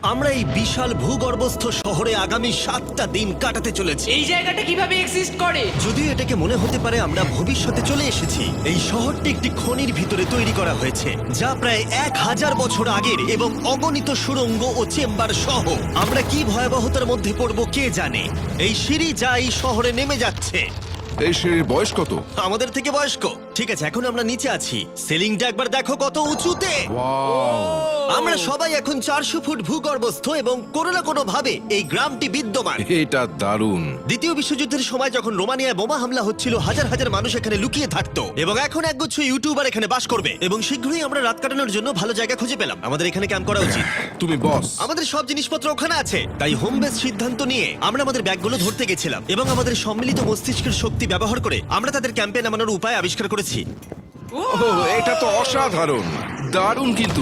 আমরা এই বিশাল ভূগর্ভস্থ শহরে আগামী 7টা দিন কাটাতে চলেছি। এই জায়গাটা কিভাবে এক্সিস্ট করে? যদিও এটাকে মনে হতে পারে আমরা ভবিষ্যতে চলে এসেছি, এই শহরটি একটি খনির ভিতরে তৈরি করা হয়েছে যা প্রায় 1000 বছর আগের এবং অগণিত সুড়ঙ্গ ও চেম্বার সহ। আমরা কি ভয়াবহতার মধ্যে পড়ব কে জানে। এই সিঁড়ি যা এই শহরে নেমে যাচ্ছে এই সিঁড়ির বয়স কত? আমাদের থেকে বয়স্ক। ঠিক আছে, এখন আমরা নিচে আছি। সিলিংটা একবার দেখো কত উঁচুতে। ওয়াও! আমরা সবাই এখন 400 ফুট ভূগর্ভস্থ এবং কোনো না কোনো ভাবে এই গ্রামটি বিদ্যমান। এটা দারুণ। দ্বিতীয় বিশ্বযুদ্ধের সময় যখন রোমানিয়ায় বোমা হামলা হচ্ছিল, হাজার হাজার মানুষ এখানে লুকিয়ে থাকতো এবং এখন একগুচ্ছ ইউটিউবার এখানে বাস করবে। এবং শীঘ্রই আমরা রাত কাটানোর জন্য ভালো জায়গা খুঁজে পেলাম। আমাদের এখানে ক্যাম্প করা উচিত। তুমি বস। আমাদের সব জিনিসপত্র ওখানে আছে, তাই হোম বেস সিদ্ধান্ত নিয়ে আমরা আমাদের ব্যাগগুলো ধরতে গেছিলাম এবং আমাদের সম্মিলিত মস্তিষ্কের শক্তি ব্যবহার করে আমরা তাদের ক্যাম্পে নামানোর উপায় আবিষ্কার করেছি। ওহ, এটা তো অসাধারণ, দারুণ। কিন্তু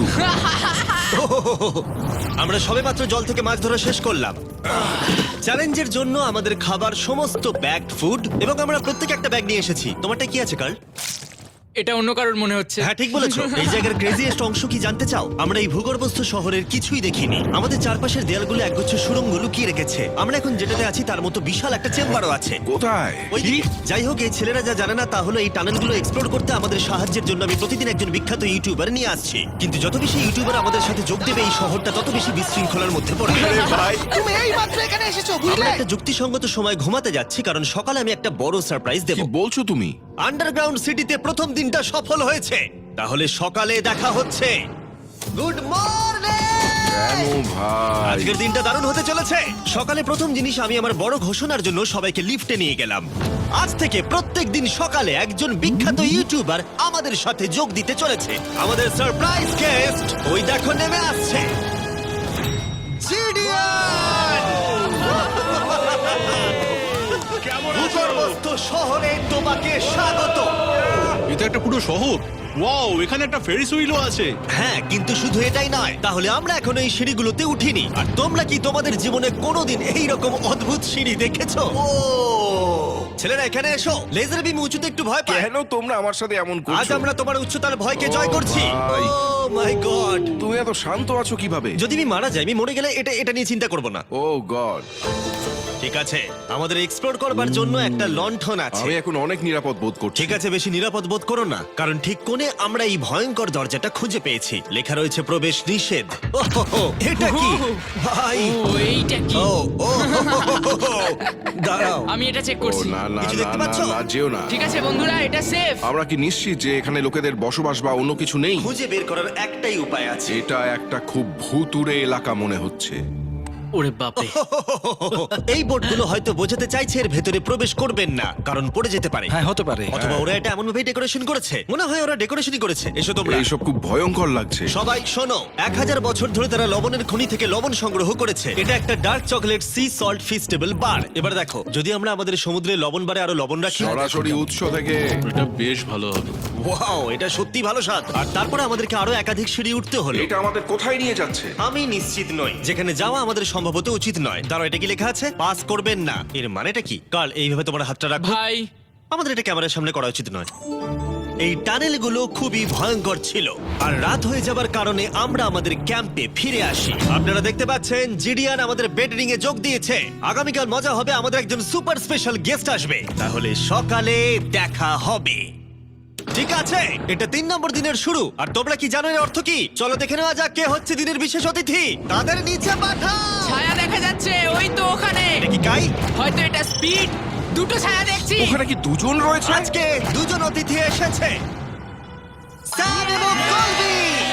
আমরা সবেমাত্র জল থেকে মাছ ধরা শেষ করলাম। চ্যালেঞ্জের জন্য আমাদের খাবার সমস্ত ব্যাগড ফুড এবং আমরা প্রত্যেক একটা ব্যাগ নিয়ে এসেছি। তোমারটা কি আছে কার্ল? এটা অন্য কারোর মনে হচ্ছে। হ্যাঁ, ঠিক বলেছো। এই জায়গার ক্রেজিয়েস্ট অংশ কি জানতে চাও? আমরা এই ভূগর্ভস্থ শহরের কিছুই দেখিনি। আমাদের চারপাশের দেয়ালগুলো একগুচ্ছ সুড়ঙ্গ লুকিয়ে রেখেছে। আমরা এখন যেটাতে আছি তার মতো বিশাল একটা চেম্বারও আছে। কোথায়? ওই দিকে। যাই হোক, এই ছেলেরা যা জানে না তা হলো এই টানেলগুলো এক্সপ্লোর করতে আমাদের সাহায্যের জন্য আমি প্রতিদিন একজন বিখ্যাত ইউটিউবার নিয়ে আসছি। কিন্তু যত বেশি ইউটিউবার আমাদের সাথে যোগ দেবে, এই শহরটা তত বেশি বিশৃঙ্খলার মধ্যে পড়বে। ভাই, তুমি এই মাত্র এখানে এসেছো, আমরা বুঝলে? একটা যুক্তিসঙ্গত সময় ঘুমাতে যাচ্ছি কারণ সকালে আমি একটা বড় সারপ্রাইজ দেব। কি বলছো তুমি? আন্ডারগ্রাউন্ড সিটিতে প্রথম দিনটা সফল হয়েছে। তাহলে সকালে দেখা হচ্ছে। Good morning! কেন ভাই? আজকের দিনটা দারুণ হতে চলেছে। সকালে প্রথম জিনিস, আমি আমার বড় ঘোষণার জন্য সবাইকে লিফটে নিয়ে গেলাম। আজ থেকে প্রত্যেক দিন সকালে একজন বিখ্যাত ইউটিউবার আমাদের সাথে যোগ দিতে চলেছে। আমাদের সারপ্রাইজ গেস্ট ওই দেখো নেমে আসছে। জিডিয়ান! ভূগর্ভস্থ শহরে তোমাকে স্বাগত। এটা একটা পুরো শহর। ওয়াও, এখানে একটা ফেরিস হুইলও আছে। হ্যাঁ, কিন্তু শুধু এটাই নয়। তাহলে আমরা এখনো এই সিঁড়িগুলোতে উঠিনি। আর তোমরা কি তোমাদের জীবনে কোনোদিন এইরকম অদ্ভুত সিঁড়ি দেখেছো? ও ছেলেরা, এখানে এসো। লেজার বিম উঁচুতে একটু ভয় পায়। কেন তোমরা আমার সাথে এমন আজ করছো? আমরা তোমার উচ্চতার ভয়কে ও জয় করছি। ভাই। Oh my God! তুমি এত শান্ত আছো কিভাবে? যদি আমি মারা যাই, আমি মরে গেলে এটা নিয়ে চিন্তা করব না। Oh God! ঠিক আছে, আমাদের এক্সপ্লোর করবার জন্য একটা লণ্ঠন আছে। আমি এখন অনেক নিরাপদ বোধ করছি। ঠিক আছে, বেশি নিরাপদ বোধ করো না, কারণ ঠিক কোণে আমরা এই ভয়ঙ্কর দরজাটা খুঁজে পেয়েছি। লেখা রয়েছে প্রবেশ নিষেধ। ওহো, এটা কি ভাই? ও এইটা কি? ও ও দাঁড়াও, আমি এটা চেক ও করছি। না না কিছু না দেখতে না পাচ্ছো? না, যেও না। ঠিক আছে বন্ধুরা, এটা সেফ। আমরা কি নিশ্চিত যে এখানে লোকেদের বসবাস বা অন্য কিছু নেই? খুঁজে বের করার একটাই উপায় আছে। এটা একটা খুব ভুতুড়ে এলাকা মনে হচ্ছে। ওরে বাপরে। এই বোর্ডগুলো হয়তো বোঝাতে চাইছে এর ভেতরে প্রবেশ করবেন না, কারণ পড়ে যেতে পারে। হ্যাঁ, হতে পারে। অথবা ওরা এটা এমন ভাবে ডেকোরেশন করেছে, মনে হয় ওরা ডেকোরেশনই করেছে। এসো তোমরা। এইসব খুব ভয়ঙ্কর লাগছে। সবাই শোনো, 1000 বছর ধরে তারা লবণের খনি থেকে লবণ সংগ্রহ করেছে। এটা একটা dark chocolate sea salt Feastables bar. এবার দেখো, যদি আমরা আমাদের সমুদ্রে লবণ বারে আরো লবণ রাখি। সরাসরি উৎস থেকে। এটা বেশ ভালো হবে। ওয়াও, এটা সত্যি ভালো স্বাদ। আর তারপরে আমাদেরকে আরো একাধিক সিঁড়ি উঠতে হলো। এটা আমাদের কোথায় নিয়ে যাচ্ছে? আমি নিশ্চিত নই। যেখানে যাওয়া আমাদের সম্ভবত উচিত নয়। দাঁড়াও, এটা কি লেখা আছে? পাস করবেন না। এর মানেটা কি? কাল এইভাবে তোমার হাতটা রাখো। ভাই, আমাদের এটা ক্যামেরার সামনে করা উচিত নয়। এই টানেলগুলো খুবই ভয়ঙ্কর ছিল, আর রাত হয়ে যাবার কারণে আমরা আমাদের ক্যাম্পে ফিরে আসি। আপনারা দেখতে পাচ্ছেন জিডিয়ান আমাদের বেডরিং এ যোগ দিয়েছে। আগামীকাল মজা হবে, আমাদের একজন সুপার স্পেশাল গেস্ট আসবে। তাহলে সকালে দেখা হবে। ঠিক আছে, এটা 3 নম্বর দিনের শুরু। আর তোমরা কি জানো এর অর্থ কি? চলো দেখে নেওয়া যাক কে হচ্ছে দিনের বিশেষ অতিথি। তাদের নিচে পাঠাও। ছায়া দেখা যাচ্ছে ওই তো ওখানে। এটা কি কাই? হয়তো এটা স্পিড। দুটো ছায়া দেখছি। ওখানে কি দুজন রয়েছে? আজকে দুজন অতিথি এসেছে, স্যাম এবং কলবি।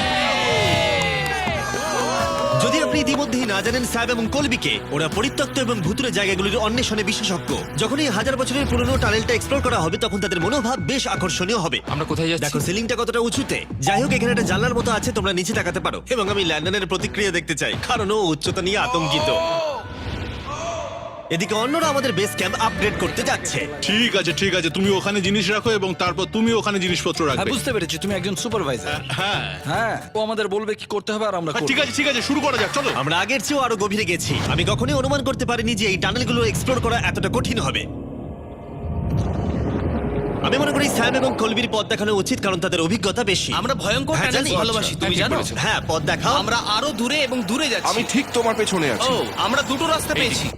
যদি আপনি ইতিমধ্যেই না জানেন স্যাম এবং কলবিকে, ওরা পরিত্যক্ত এবং ভুতুরে জায়গাগুলির অন্বেষণে বিশেষজ্ঞ। যখন এই 1000 বছরের পুরনো টানেলটা এক্সপ্লোর করা হবে, তখন তাদের মনোভাব বেশ আকর্ষণীয় হবে। আমরা কোথায় যাচ্ছি? দেখো সিলিংটা কতটা উঁচুতে। যাই হোক, এখানে একটা জানলার মতো আছে, তোমরা নিচে তাকাতে পারো। এবং আমি ল্যান্ডনের প্রতিক্রিয়া দেখতে চাই, কারণ ও উচ্চতা নিয়ে আতঙ্কিত। এদিকে অন্যরা আমাদের বেস ক্যাম্প আপগ্রেড করতে যাচ্ছে। ঠিক আছে ঠিক আছে, তুমি ওখানে জিনিস রাখো এবং তারপর তুমি ওখানে জিনিসপত্র হ্যাঁ, রাখবে। বুঝতে পেরেছি, তুমি একজন সুপারভাইজার। হ্যাঁ হ্যাঁ, ও আমাদের বলবে কি করতে হবে আর আমরা করব। ঠিক আছে, শুরু করা যাক, চলো। আমরা আগের চেয়েও আরো গভীরে গেছি। আমি কখনোই অনুমান করতে পারিনি যে এই টানেলগুলো এক্সপ্লোর করা এতটা কঠিন হবে। আমি মনে করি স্যাম এবং কলবির পথ দেখানো উচিত, কারণ তাদের অভিজ্ঞতা বেশি। আমরা ভয়ঙ্কর হ্যাঁ, টানেলস জানি। ভালোবাসি, তুমি ঠিক জানো? বলেছো। হ্যাঁ, পথ দেখাও। আমরা আরো দূরে এবং দূরে যাচ্ছি। আমি ঠিক তোমার পেছনে আছি। ও, আমরা দুটো রাস্তা পেয়েছি।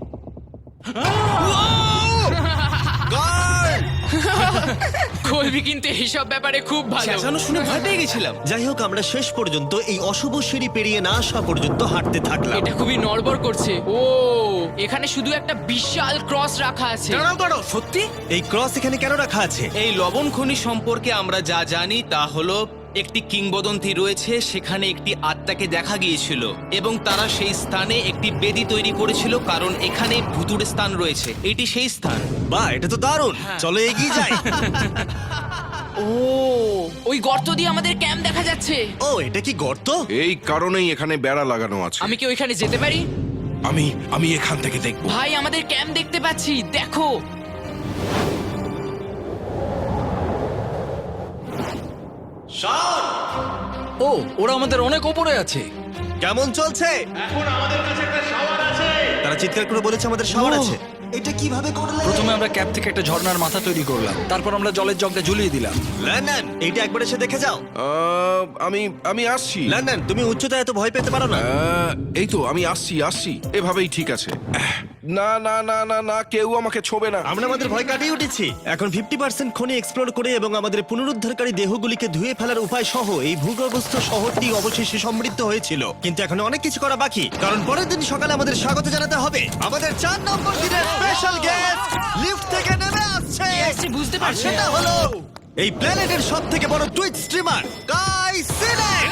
কলবি কিন্তু এইসব ব্যাপারে খুব ভালো। চেঁচানো শুনে ভয় পেয়ে গেছিলাম। যাই হোক, আমরা শেষ পর্যন্ত এই অশুভ সিঁড়ি পেরিয়ে না আসা পর্যন্ত হাঁটতে থাকলাম। এটা খুবই নড়বড় করছে। ও, এখানে শুধু একটা বিশাল ক্রস রাখা আছে। দাঁড়াও, সত্যি? এই ক্রস এখানে কেন রাখা আছে? এই লবণ খনি সম্পর্কে আমরা যা জানি তা হলো একটি কিংবদন্তি রয়েছে, সেখানে একটি আত্মাকে দেখা গিয়েছিল এবং তারা সেই স্থানে একটি বেদি তৈরি করেছিল, কারণ এখানে ভুতুড়ে স্থান রয়েছে। এটি সেই স্থান। বাহ, এটা তো দারুণ। চলো এগিয়ে যাই। ও, ওই গর্ত দিয়ে আমাদের ক্যাম্প দেখা যাচ্ছে। ও, এটা কি গর্ত? এই কারণেই এখানে বেড়া লাগানো আছে। আমি কি ওইখানে যেতে পারি? আমি এখান থেকে দেখবো। ভাই, আমাদের ক্যাম্প দেখতে পাচ্ছি, দেখো। ও, ওরা আমাদের অনেক ওপরে আছে। কেমন চলছে? তারা চিৎকার করে বলেছে আমাদের শাওয়ার ও। আছে। এটা কিভাবে করলে? প্রথমে আমরা ক্যাপ থেকে একটা ঝর্ণার মাথা তৈরি করলাম, তারপর আমরা জলের জগটা ঝুলিয়ে দিলাম। লন্ডন, এইটা একবার এসে দেখে যাও। আমি আসছি। লন্ডন, তুমি উচ্চতায় এত ভয় পেতে পারো না। এই তো আমি আসছি। এভাবেই ঠিক আছে। না না না না না, কেউ আমাকে ছোবে না। আমরা আমাদের ভয় কাটিয়ে উঠেছি। এখন 50% খনি এক্সপ্লোর করে এবং আমাদের পুনরুদ্ধারকারী দেহগুলিকে ধুয়ে ফেলার উপায় সহ এই ভূগর্ভস্থ শহরটি অবশেষে সমৃদ্ধ হয়েছিল। কিন্তু এখন অনেক কিছু করা বাকি, কারণ পরের দিন সকালে আমাদের স্বাগত জানাতে হবে আমাদের 4 নম্বর দিনের স্পেশাল গেস্ট লিফট থেকে নেমে আসছে। আসছে, বুঝতে আর পারছি। সেটা হলো এই প্ল্যানেটের সবথেকে বড় টুইট স্ট্রিমার গাই সিলেট।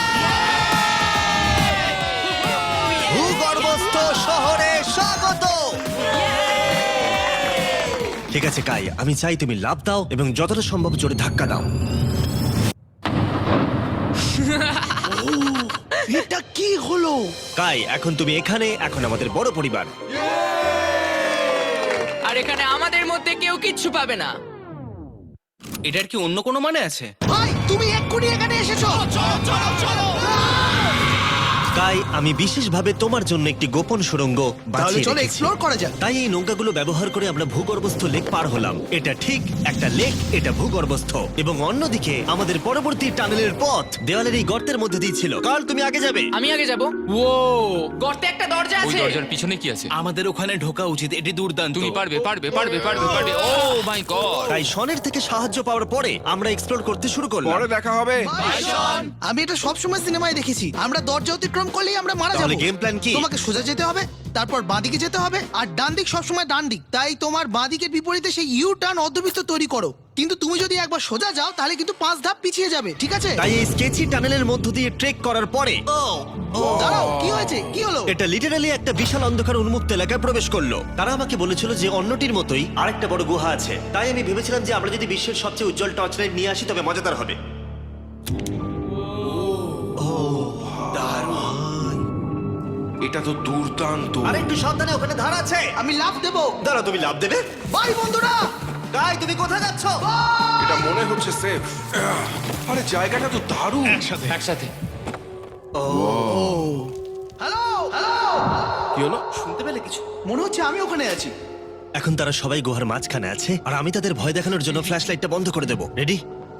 ভূগর্ভস্থ শহরে স্বাগত। ঠিক আছে কাই, আমি চাই তুমি লাফ দাও এবং যতটা সম্ভব জোরে ধাক্কা দাও। এটা কি হলো? কাই, এখন তুমি এখানে, এখন আমাদের বড় পরিবার। আর এখানে আমাদের মধ্যে কেউ কিচ্ছু পাবে না। এটার কি অন্য কোনো মানে আছে? ভাই, তুমি এক্ষুনি এখানে এসেছো। কাই, আমি বিশেষভাবে তোমার জন্য একটি গোপন সুড়ঙ্গ বাছিয়ে চলো রেখেছি। এক্সপ্লোর করা যাক। তাই এই নৌকাগুলো ব্যবহার করে আমরা ভূগর্ভস্থ লেক পার হলাম। এটা ঠিক একটা লেক, এটা ভূগর্ভস্থ, এবং অন্যদিকে আমাদের পরবর্তী টানেলের পথ দেওয়ালের এই গর্তের মধ্যে দিয়ে ছিল। কাল, তুমি আগে যাবে। আমি আগে যাব। ও, গর্তে একটা দরজা ওই আছে। দরজার পিছনে কি আছে? আমাদের ওখানে ঢোকা উচিত, এটি দুর্দান্ত। তুমি পারবে। Oh my God! তাই শনের থেকে সাহায্য পাওয়ার পরে আমরা এক্সপ্লোর করতে শুরু করলাম। পরে দেখা হবে। আমি এটা সবসময় সিনেমায় দেখেছি, আমরা দরজা অতিক্রম করলেই আমরা মারা তাহলে যাবো। গেম প্ল্যান কি? তোমাকে সোজা যেতে হবে, তারপর বাঁদিকে যেতে হবে, আর ডান দিক সবসময় ডান দিক। তাই তোমার বাঁদিকের বিপরীতে সেই ইউ টার্ন অর্ধবৃত্ত তৈরি করো। কিন্তু তুমি যদি একবার সোজা যাও তাহলে কিন্তু 5 ধাপ পিছিয়ে যাবে, ঠিক আছে? তাই এই স্কেচি টানেলের মধ্য দিয়ে ট্রেক করার পরে দাঁড়াও, কি হয়েছে? কি হলো? এটা লিটারালি একটা বিশাল অন্ধকার উন্মুক্ত এলাকায় প্রবেশ করলো। তারা আমাকে বলেছিল যে অন্যটির মতোই আরেকটা বড় গুহা আছে। তাই আমি ভেবেছিলাম যে আমরা যদি বিশ্বের সবচেয়ে উজ্জ্বল টর্চ লাইট নিয়ে আসি তবে মজাদার হবে। এটা তো দুর্দান্ত। আর একটু সাবধানে, ওখানে ধার আছে। আমি লাফ দেবো। দাঁড়া, তুমি লাভ দেবে? বাই বন্ধুরা। গাই, তুমি কোথায় যাচ্ছ? এটা মনে হচ্ছে সেফ। আরে জায়গাটা তো দারুণ। একসাথে। হ্যালো হ্যালো, কি হলো? শুনতে পেলে কিছু? মনে হচ্ছে আমি ওখানে আছি। এখন তারা সবাই গুহার মাঝখানে আছে, আর আমি তাদের ভয় দেখানোর জন্য ফ্ল্যাশ লাইটটা বন্ধ করে দেবো। রেডি?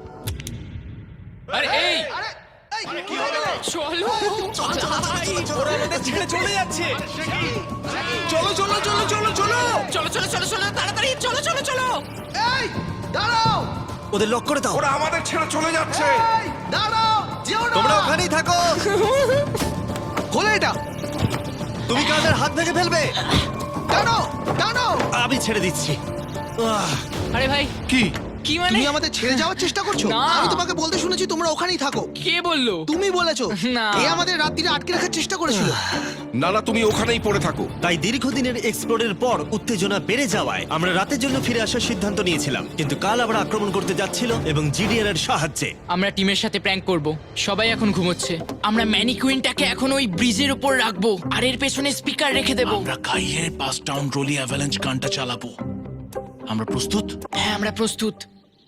আরে এই আরে এই, কি হলো? চলো। ওরা আমাদের ছেড়ে চলে যাচ্ছে। চলো চলো চলো চলো চলো। চলো চলো চলো চলো, তাড়াতাড়ি চলো চলো চলো। এই দাঁড়াও, ওদের লক করে দাও। ওরা আমাদের ছেড়ে চলে যাচ্ছে। এই দাঁড়াও, যেও না। তোমরা ওখানেই থাকো। খোলো এটা। তুমি কাদের হাত ভেঙে ফেলবে। টানো টানো। আমি ছেড়ে দিচ্ছি। আরে ভাই, কি? কি মানে? তুমি আমাদের ছেড়ে যাওয়ার চেষ্টা করছো? না। আমি তোমাকে বলতে শুনেছি তোমরা ওখানেই থাকো। কে বললো? তুমি বলেছো। না। এ আমাদের রাত্রিরে আটকে রাখার চেষ্টা করেছিল। না না, তুমি ওখানেই পড়ে থাকো। তাই দীর্ঘদিনের এক্সপ্লোরের পর উত্তেজনা বেড়ে যাওয়ায় আমরা রাতের জন্য ফিরে আসার সিদ্ধান্ত নিয়েছিলাম। কিন্তু কাল আবার আক্রমণ করতে যাচ্ছিল এবং জিডিআর এর সাহায্যে। আমরা টিমের সাথে প্র্যাঙ্ক করব। সবাই এখন ঘুমোচ্ছে। আমরা ম্যানিকুইনটাকে এখন ওই ব্রিজের উপর রাখবো আর এর পেছনে স্পিকার রেখে দেব। আমরা কাইয়ের পাস টাউন রোলি অ্যাভালাঞ্চ গানটা চালাবো। আমরা প্রস্তুত? হ্যাঁ, আমরা প্রস্তুত।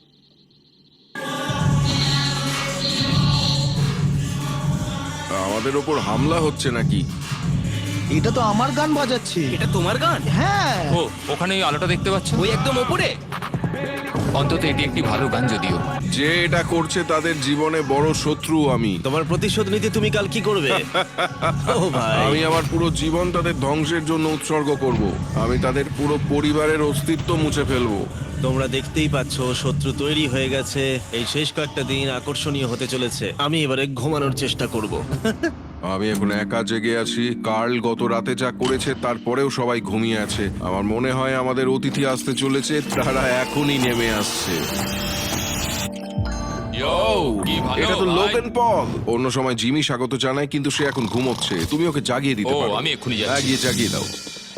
আমাদের ওপর হামলা হচ্ছে নাকি? এটা তো আমার গান বাজাচ্ছে। এটা তোমার গান? হ্যাঁ। ও, ওখানে ওই আলোটা দেখতে পাচ্ছ? ওই একদম ওপরে? অন্তত এটি একটি ভালো গান যদিও। যে এটা করছে তাদের জীবনে বড় শত্রু আমি। তোমার প্রতিশোধ নিতে তুমি কাল কি করবে? ও ভাই, আমি আমার পুরো জীবন তাদের ধ্বংসের জন্য উৎসর্গ করব। আমি তাদের পুরো পরিবারের অস্তিত্ব মুছে ফেলবো। তোমরা দেখতেই পাচ্ছ শত্রু তৈরি হয়ে গেছে। এই শেষ কয়েকটা দিন আকর্ষণীয় হতে চলেছে। আমি এবারে ঘুমানোর চেষ্টা করব। আমি এখন একা জেগে আছি। কার্ল গত রাতে যা করেছে তারপরেও সবাই ঘুমিয়ে আছে। আমার মনে হয় আমাদের অতিথি আসতে চলেছে, তারা এখনই নেমে আসছে। কি ভালো এটা তো ভাই। Logan Paul. অন্য সময় জিমি স্বাগত জানায়, কিন্তু সে এখন ঘুমোচ্ছে। তুমি ওকে জাগিয়ে দিতে ও, পারো। আমি এক্ষুনি যাচ্ছি। হ্যাঁ, গিয়ে জাগিয়ে দাও।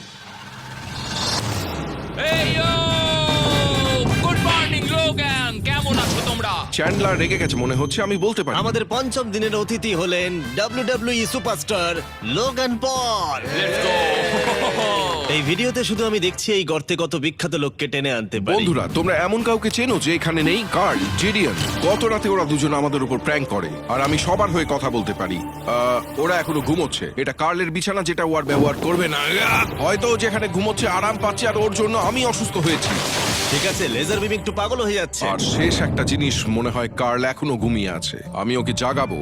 এই ইয়ো! গুড মর্নিং লোগান, কেমন আছো তোমরা? চ্যান্ডলার রেগে গেছে মনে হচ্ছে, আমি বলতে পারি। আমাদের পঞ্চম দিনের অতিথি হলেন WWE superstar Logan Paul. Let's go! এই ভিডিওতে শুধু আমি দেখছি এই গর্তে কত বিখ্যাত লোককে টেনে আনতে পারি। বন্ধুরা, তোমরা এমন কাউকে চেনো যে এখানে নেই? Karl, Jidion. গত রাতে ওরা দুজন আমাদের উপর প্র্যাঙ্ক করে, আর আমি সবার হয়ে কথা বলতে পারি। ওরা এখনো ঘুমোচ্ছে। এটা কার্লের বিছানা, যেটা ও আর ব্যবহার করবে না। হয়তো ও যেখানে ঘুমোচ্ছে আরাম পাচ্ছে, আর ওর জন্য আমি অসুস্থ হয়েছি। ঠিক আছে, লেজার বিম একটু পাগল হয়ে যাচ্ছে। আর শেষ একটা জিনিস, মনে হয় কার্ল এখনো ঘুমিয়ে আছে। আমি ওকে জাগাবো।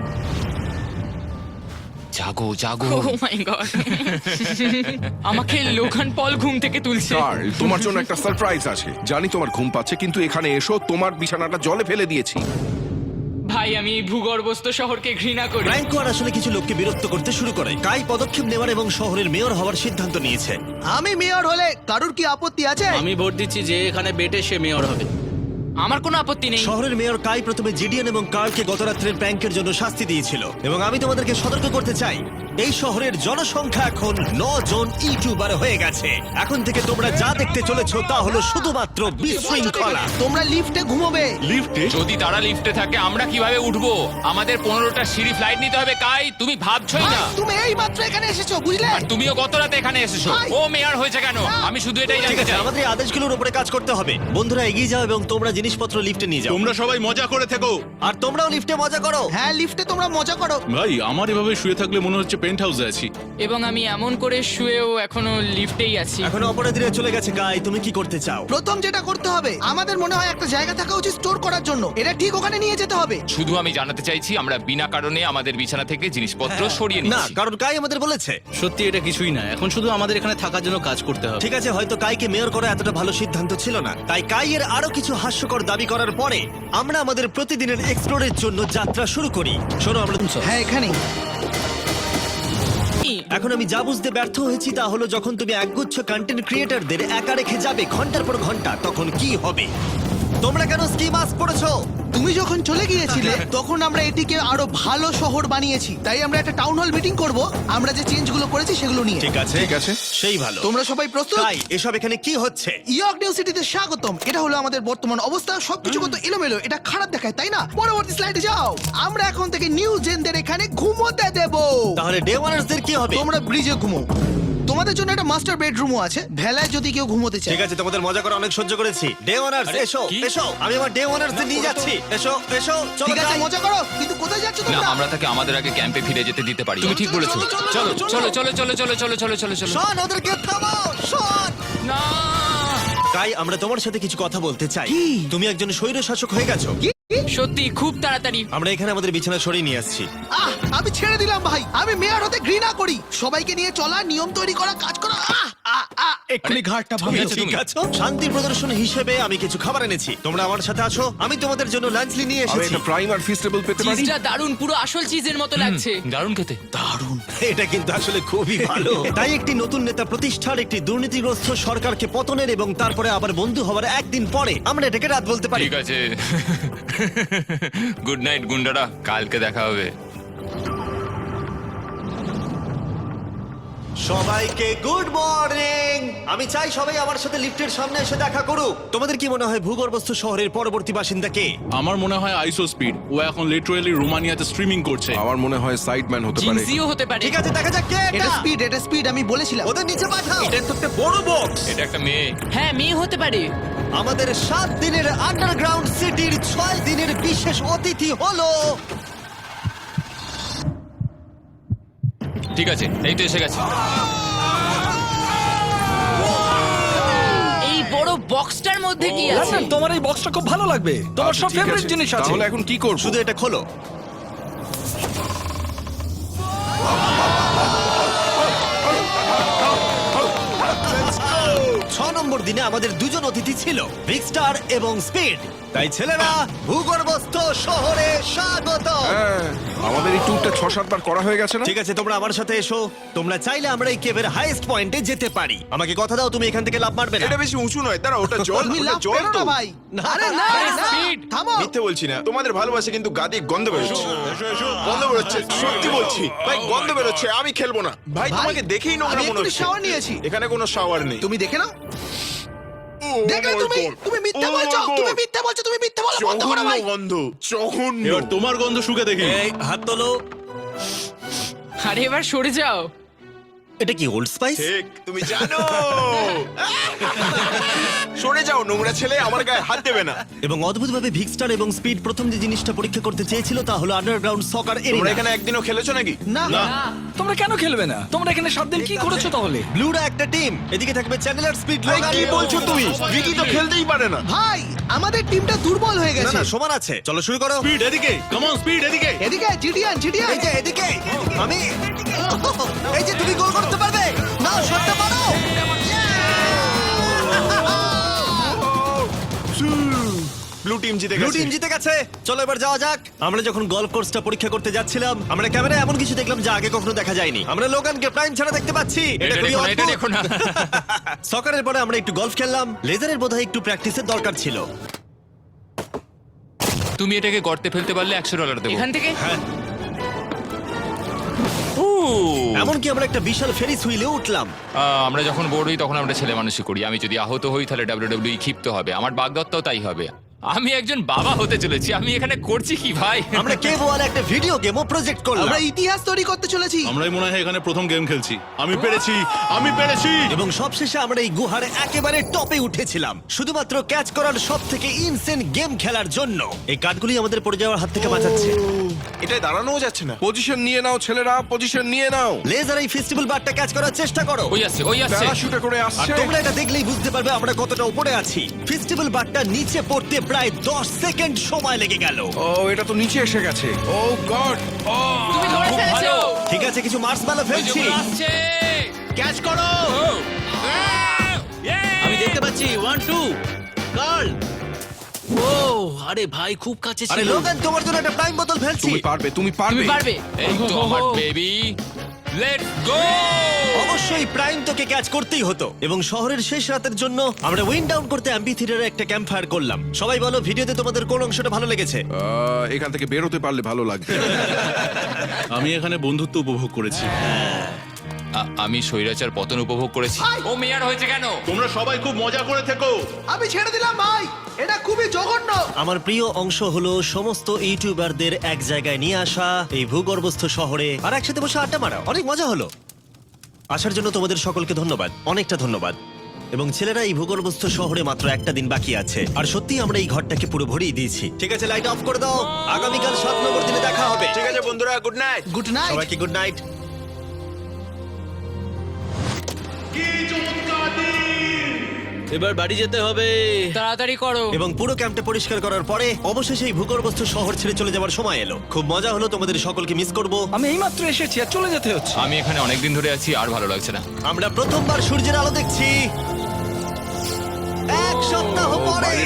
জাগো জাগো। ও মাই গড! আমাকে লোগান পল ঘুম থেকে তুলছে। কার্ল, তোমার জন্য একটা সারপ্রাইজ আছে। জানি তোমার ঘুম পাচ্ছে, কিন্তু এখানে এসো, তোমার বিছানাটা জলে ফেলে দিয়েছি। ভাই, আমি এই ভূগর্ভস্থ শহরকে ঘৃণা করি। ফ্র্যাঙ্কো আর আসলে কিছু লোককে বিরক্ত করতে শুরু করে। কাই পদক্ষেপ নেওয়ার এবং শহরের মেয়র হওয়ার সিদ্ধান্ত নিয়েছে। আমি মেয়র হলে কারুর কি আপত্তি আছে? আমি ভোট দিচ্ছি যে এখানে বেটে সে মেয়র হবে। আমার কোনো আপত্তি নেই। শহরের মেয়র কাই প্রথমে জিডিএন এবং কার্লকে গত রাত্রের প্র্যাঙ্কের জন্য শাস্তি দিয়েছিল, এবং আমি তোমাদেরকে সতর্ক করতে চাই, এই শহরের জনসংখ্যা এখন 9 জন ইউটিউবার হয়ে গেছে। এখন থেকে তোমরা যা দেখতে চলেছো তা হলো শুধুমাত্র বিশৃঙ্খলা। তোমরা লিফটে ঘুমোবে। যদি তারা লিফটে থাকে আমরা কিভাবে উঠবো? আমাদের 15টা সিঁড়ি ফ্লাইট নিতে হবে। কাই, তুমি ভাবছই না। তুমি এই মাত্র এখানে এসেছো, বুঝলে? আর তুমিও গত রাতে এখানে এসেছো। ভাই! ও মেয়র হয়েছে কেন? আমি শুধু এটাই ঠিক জানতে আছে, চাই। আমাদের এই আদেশগুলোর উপরে কাজ করতে হবে। বন্ধুরা, এগিয়ে যাও এবং তোমরা জিনিসপত্র লিফটে নিয়ে যাও। তোমরা সবাই মজা করে থেকো। আর তোমরাও লিফটে মজা করো। হ্যাঁ, লিফটে তোমরা মজা করো। ভাই, আমার এভাবে শুয়ে থাকলে মনে হচ্ছে পেন্ট হাউসে আছি। এবং আমি এমন করে শুয়েও এখনো লিফটেই আছি। এখন অপরাধীরা চলে গেছে। কাই, তুমি কি করতে চাও? প্রথম যেটা করতে হবে, আমাদের মনে হয় একটা জায়গা থাকা উচিত স্টোর করার জন্য। এটা ঠিক ওখানে নিয়ে যেতে হবে। শুধু আমি জানাতে চাইছি আমরা বিনা কারণে আমাদের বিছানা থেকে জিনিসপত্র সরিয়ে না, নিচ্ছি। কারণ কাই আমাদের বলেছে। সত্যি এটা কিছুই না, এখন শুধু আমাদের এখানে থাকার জন্য কাজ করতে হবে। ঠিক আছে, হয়তো কাইকে মেয়র করা এতটা ভালো সিদ্ধান্ত ছিল না। তাই কাইয়ের আরো কিছু হাস্যকর দাবি করার পরে আমরা আমাদের প্রতিদিনের এক্সপ্লোরের জন্য যাত্রা শুরু করি। শোনো, আমরা হ্যাঁ, এখানেই। এখন আমি যা বুঝতে ব্যর্থ হয়েছি তা হলো, যখন তুমি একগুচ্ছ কন্টেন্ট ক্রিয়েটরদের একা রেখে যাবে ঘন্টার পর ঘন্টা, তখন কি হবে? তোমরা কেন স্কি মাস্ক পরেছো? তুমি যখন চলে গিয়েছিলে তখন আমরা এটিকে আরো ভালো শহর বানিয়েছি। তাই আমরা একটা টাউন হল মিটিং করব, আমরা যে চেঞ্জগুলো করেছি সেগুলো নিয়ে। ঠিক আছে, ঠিক আছে। সেই ভালো। তোমরা সবাই প্রস্তুত? কাই, এসব এখানে কি হচ্ছে? ইয়র্ক নিউ সিটিতে স্বাগতম। এটা হলো আমাদের বর্তমান অবস্থা। সবকিছু কত এলোমেলো, এটা খারাপ দেখায়, তাই না? পরবর্তী স্লাইডে যাও। আমরা এখন থেকে নিউ জেনদের এখানে ঘুমোতে দেব। তাহলে ডে ওয়ানার্সদের কি হবে? তোমরা ব্রিজে ঘুমো। তোমাদের জন্য একটা মাস্টার বেডরুমও আছে, ভেলায় যদি কেউ ঘুমোতে চায়। ঠিক আছে, তোমাদের মজা করে অনেক সহ্য করেছি। ডে ওয়ানার্স, এসো এসো, আমি আমার ডে ওয়ানার্সদের নিয়ে যাচ্ছি। এসো এসো, চলো ঠিক আছে, যাই। মজা করো, কিন্তু কোথায় যাচ্ছ না, তোমরা? আমরা তাকে আমাদের আগে ক্যাম্পে ফিরে যেতে দিতে পারি। তুমি ঠিক বলেছো। চলো, চলো চলো, চলো চলো চলো চলো চলো চলো চলো চলো। শোন, ওদেরকে থামাও, শোন। না, কাই, আমরা তোমার সাথে কিছু কথা বলতে চাই। তুমি একজন স্বৈর শাসক হয়ে গেছো। সত্যি খুব তাড়াতাড়ি। আমরা এখানে আমাদের বিছানা সরিয়ে নিয়ে আসছি। আমি ছেড়ে দিলাম ভাই। আমি মেয়র হতে ঘৃণা করি। সবাইকে নিয়ে চলা, নিয়ম তৈরি করা, কাজ করা। এক্ষুনি ঘাটটা তুমি আছো, ঠিক তুমি। আছে। শান্তি প্রদর্শন হিসেবে আমি কিছু খাবার এনেছি। তোমরা আমার সাথে আসো, আমি তোমাদের জন্য লাঞ্চ নিয়ে আমি এসেছি। একটা প্রাইম আর ফিস্টেবল পেতে পারি? চিজটা দারুণ, পুরো আসল চিজের মতো লাগছে। দারুণ খেতে। এটা কিন্তু আসলে খুবই ভালো। তাই একটি নতুন নেতা প্রতিষ্ঠার, একটি দুর্নীতিগ্রস্ত সরকারকে পতনের এবং তারপরে আবার বন্ধু হওয়ার একদিন পরে আমরা এটাকে রাত বলতে পারি। ঠিক আছে। গুড নাইট গুন্ডারা, কালকে দেখা হবে। সবাইকে গুড মর্নিং। আমি চাই সবাই আমার সাথে লিফটের সামনে এসে দেখা করুক। তোমাদের কি মনে হয় ভূগর্ভস্থ শহরের পরবর্তী বাসিন্দা কে? আমার মনে হয় আইসো স্পিড। ও এখন লিটারালি রোমানিয়াতে স্ট্রিমিং করছে। আমার মনে হয় সাইডম্যান হতে পারে। জিনসিও হতে পারে। ঠিক আছে, দেখা যাক কে এটা এটা। স্পিড, এটা স্পিড, আমি বলেছিলাম। ওদের নিচে পাঠাও। এটা তো একটা বড় বক্স। এটা একটা মেয়ে। হ্যাঁ, মেয়ে হতে পারে। আমাদের 7 দিনের আন্ডারগ্রাউন্ড সিটির 6 দিনের বিশেষ অতিথি হলো ঠিক আছে, এই তো এসে গেছে। এই বড় বক্সটার মধ্যে কি আছে লন্ডন, তোমার এই বক্সটা খুব ভালো লাগবে, তোমার আচ্ছা, সব ঠিক ফেভারিট আছে। জিনিস আছে। তাহলে এখন কি করব? শুধু এটা খোলো। ছ নম্বর দিনে আমাদের দুজন অতিথি ছিল, বিগ স্টার এবং স্পিড। তাই ছেলেরা, ভূগর্ভস্থ শহরে স্বাগত। হ্যাঁ, আমাদের এই ট্যুরটা 6-7 বার করা হয়ে গেছে না? ঠিক আছে, তোমরা আমার সাথে এসো। তোমরা চাইলে আমরা এই কেভের হাইয়েস্ট পয়েন্টে যেতে পারি। আমাকে কথা দাও তুমি এখান থেকে লাফ মারবে না। এটা বেশি উঁচু নয়, দাঁড়া, ওটা জল, তুমি ওটা লাভ জল করো তো। না ভাই। আরে না আরে না, speed। থামো। মিথ্যে বলছি না, তোমাদের ভালোবাসে কিন্তু গাদি গন্ধ বেরোচ্ছে। গন্ধ বেরোচ্ছে, সত্যি বলছি ভাই, গন্ধ বেরোচ্ছে। আমি খেলবো না ভাই, ভাই, তোমাকে দেখেই নোংরা আমি মনে এক্ষুনি হচ্ছে। shower নিয়েছি। এখানে কোনো শাওয়ার নেই। তুমি দেখে নাও। Oh দেখলে my তুমি, God! তুমি মিথ্যা Oh my বলছো, God! তুমি মিথ্যা বলছো, তুমি মিথ্যা বলো, বন্ধ করো জঘন্য ভাই। গন্ধ, জঘন্য। এবার তোমার গন্ধ শুকে দেখি। এই হাত তোলো। আরে এবার সরে যাও। এটা কি ওল্ড স্পাইস? ঠিক, তুমি জানো। সরে যাও নোংরা ছেলে, আমার গায়ে হাত দেবে না। এবং অদ্ভুতভাবে ভিক্সটার এবং স্পিড প্রথম যে জিনিসটা পরীক্ষা করতে চেয়েছিল তা হলো আন্ডারগ্রাউন্ড সকার তোমরা এরিয়া। এখানে একদিনও খেলেছো নাকি? না তোমরা কেন খেলবে না? তোমরা এখানে 7 দিন কি করেছো তাহলে? ব্লুরা একটা টিম, এদিকে থাকবে চ্যানেলার, স্পিড, ভাই, লোগান। কি বলছো তুমি? ভিকি তো খেলতেই পারে না। ভাই, আমাদের টিমটা দুর্বল হয়ে না গেছে। না, সমান আছে। চলো শুরু করো। স্পিড এদিকে, কাম অন স্পিড এদিকে। এদিকে জিডিয়ান, জিডিয়ান। এই যে এদিকে আমি, এই যে তুমি গোল করতে পারবে না, শটটা মারো। ব্লু টিম জিতে ব্লু গেছে। টিম জিতে গেছে। চলো এবার যাওয়া যাক। আমরা যখন গলফ কোর্সটা পরীক্ষা করতে যাচ্ছিলাম, আমরা ক্যামেরায় এমন কিছু দেখলাম যা আগে কখনো দেখা যায়নি। আমরা লোগানকে প্রাইম ছাড়া দেখতে পাচ্ছি। এটা এটা খুবই দেখো না, এটা অদ্ভুত। দেখো না। সকারের পরে আমরা একটু গলফ খেললাম। লেজারের বোধহয় একটু প্র্যাকটিসের দরকার ছিল। তুমি এটাকে গর্তে ফেলতে পারলে $100 দেবো। এখান থেকে এমনকি আমরা একটা বিশাল ফেরিস হুইলে উঠলাম। আমরা যখন বোর্ড হই তখন আমরা ছেলে মানুষই করি। আমি যদি আহত হই তাহলে WWE ক্ষিপ্ত হবে, আমার বাগদত্তাও তাই হবে। আমি একজন বাবা হতে চলেছি, আমি এখানে করছি কি ভাই? আমরা কেভ ওয়ালে একটা ভিডিও গেমও প্রজেক্ট করলাম। আমরা ইতিহাস তৈরি করতে চলেছি। আমরাই মনে হয় এখানে প্রথম গেম খেলছি। আমি পেরেছি, আমি পেরেছি। এবং সবশেষে আমরা এই গুহার একেবারে টপে উঠেছিলাম শুধুমাত্র ক্যাচ করার সব থেকে ইনসেন গেম খেলার জন্য। এই কাঠগুলি আমাদের পড়ে যাওয়ার হাত থেকে বাঁচাচ্ছে। এটাই দাঁড়ানোও যাচ্ছে না। পজিশন নিয়ে নাও ছেলেরা, পজিশন নিয়ে নাও। লেজার এই ফেস্টিভ্যাল বারটা ক্যাচ করার চেষ্টা করো। ওই আসছে, ওই আসছে। প্যারাশুটে করে আর আসছে। তোমরা এটা দেখলেই বুঝতে পারবে আমরা কতটা উপরে আছি। ফেস্টিভ্যাল বারটা নিচে পড়তে প্রায় 10 সেকেন্ড সময় লেগে গেল। ও, এটা তো নিচে এসে গেছে। Oh God! তুমি ধরে খুব ফেলেছো। ভালো। ঠিক আছে, কিছু মার্শম্যালো ওই যে ফেলছি। ওগুলো আসছে। ক্যাচ করো। আমি দেখতে পাচ্ছি 1 2 গার্ল। ও আরে ভাই, খুব কাছে আরে ছিল। লোগান, তোমার জন্য একটা প্রাইম বোতল ফেলছি। তুমি পারবে, তুমি তুমি পারবে। পারবে। এই তো আমার বেবি, লেটস গো। অবশ্যই প্রাইম তোকে ক্যাচ করতেই হতো। এবং শহরের শেষ রাতের জন্য আমরা উইন্ড ডাউন করতে অ্যাম্পি থিয়েটারে একটা ক্যাম্প ফায়ার করলাম। সবাই বলো ভিডিওতে তোমাদের কোন অংশটা ভালো লেগেছে? এখান থেকে বেরোতে পারলে ভালো লাগবে। আমি এখানে বন্ধুত্ব উপভোগ করেছি। আমি স্বৈরাচার পতন উপভোগ করেছি। ও মেয়ার হয়েছে কেন? তোমরা সবাই খুব মজা করে থেকো। আমি ছেড়ে দিলাম ভাই, এটা খুবই জঘন্য। আমার প্রিয় অংশ হলো সমস্ত ইউটিউবারদের এক জায়গায় নিয়ে আসা এই ভূগর্ভস্থ শহরে আর একসাথে বসে আড্ডা মারা। অনেক মজা হলো। আসার জন্য তোমাদের সকলকে ধন্যবাদ, অনেকটা ধন্যবাদ। এবং ছেলেরা, এই ভূগর্ভস্থ শহরে মাত্র একটা দিন বাকি আছে আর সত্যি আমরা এই ঘরটাকে পুরো ভরিয়ে দিয়েছি। ঠিক আছে, লাইট অফ করে দাও। আগামীকাল 7 নম্বর দিনে দেখা হবে। ঠিক আছে বন্ধুরা, গুড নাইট। Good night. সবাইকে গুড নাইট। এবার বাড়ি যেতে হবে। তাড়াতাড়ি করো। এবং পুরো ক্যাম্পটা পরিষ্কার করার পরে অবশেষে এই ভূগর্ভস্থ শহর ছেড়ে চলে যাওয়ার সময় এলো। খুব মজা হলো, তোমাদের সকলকে মিস করব। আমি এইমাত্র এসেছি আর চলে যেতে হচ্ছে। আমি এখানে অনেকদিন ধরে আছি, আর ভালো লাগছে না। আমরা প্রথমবার সূর্যের আলো দেখছি 1 সপ্তাহ পরে।